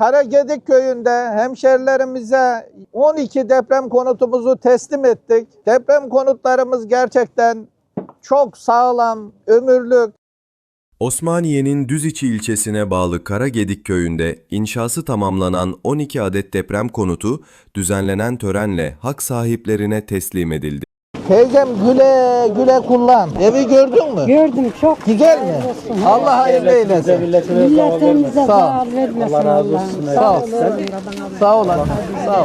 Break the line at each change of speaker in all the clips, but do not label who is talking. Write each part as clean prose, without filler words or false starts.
Karagedik köyünde hemşerilerimize 12 deprem konutumuzu teslim ettik. Deprem konutlarımız gerçekten çok sağlam, ömürlük.
Osmaniye'nin Düziçi ilçesine bağlı Karagedik köyünde inşası tamamlanan 12 adet deprem konutu düzenlenen törenle hak sahiplerine teslim edildi.
Teyzem güle güle kullan. Evi gördün mü?
Gördüm, çok
Güzel mi? Allah hayırlı eylesin.
milletimize
Sağ ol.
zarar vermesin Allah.
Sağ ol. Sağ ol. Sağ ol.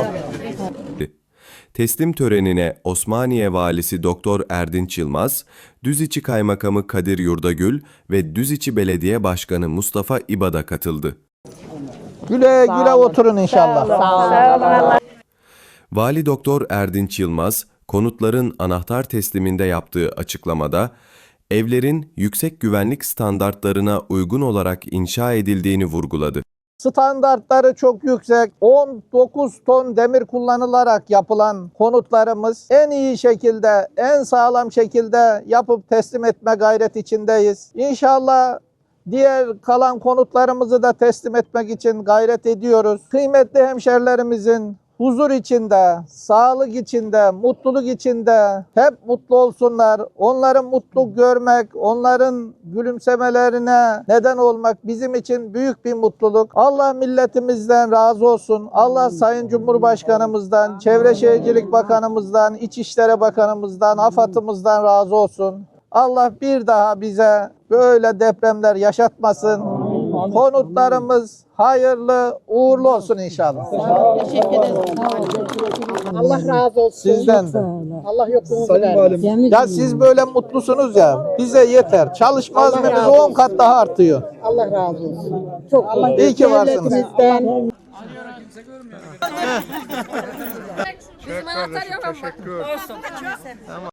Teslim törenine Osmaniye Valisi Doktor Erdinç Yılmaz, Düziçi Kaymakamı Kadir Yurdagül ve Düziçi Belediye Başkanı Mustafa İbada katıldı.
Güle güle oturun inşallah.
Sağ olun.
Vali Doktor Erdinç Yılmaz, konutların anahtar tesliminde yaptığı açıklamada, evlerin yüksek güvenlik standartlarına uygun olarak inşa edildiğini vurguladı.
Standartları çok yüksek. 19 ton demir kullanılarak yapılan konutlarımız en iyi şekilde, en sağlam şekilde yapıp teslim etme gayret içindeyiz. İnşallah diğer kalan konutlarımızı da teslim etmek için gayret ediyoruz. Kıymetli hemşerilerimizin huzur içinde, sağlık içinde, mutluluk içinde hep mutlu olsunlar. Onları mutlu görmek, onların gülümsemelerine neden olmak bizim için büyük bir mutluluk. Allah milletimizden razı olsun. Allah Sayın Cumhurbaşkanımızdan, Çevre Şehircilik Bakanımızdan, İçişleri Bakanımızdan, AFAD'ımızdan razı olsun. Allah bir daha bize böyle depremler yaşatmasın. Konutlarımız hayırlı, uğurlu olsun inşallah.
Teşekkür ederim. Allah razı olsun.
Sizden de.
Allah yokluğunuzu versin.
Ya siz böyle mutlusunuz ya, bize yeter. Çalışma azmimiz 10 kat daha artıyor.
Allah razı olsun. Çok
İyi ki varsınız.
devletimizden.
Bizim anahtar yok ama.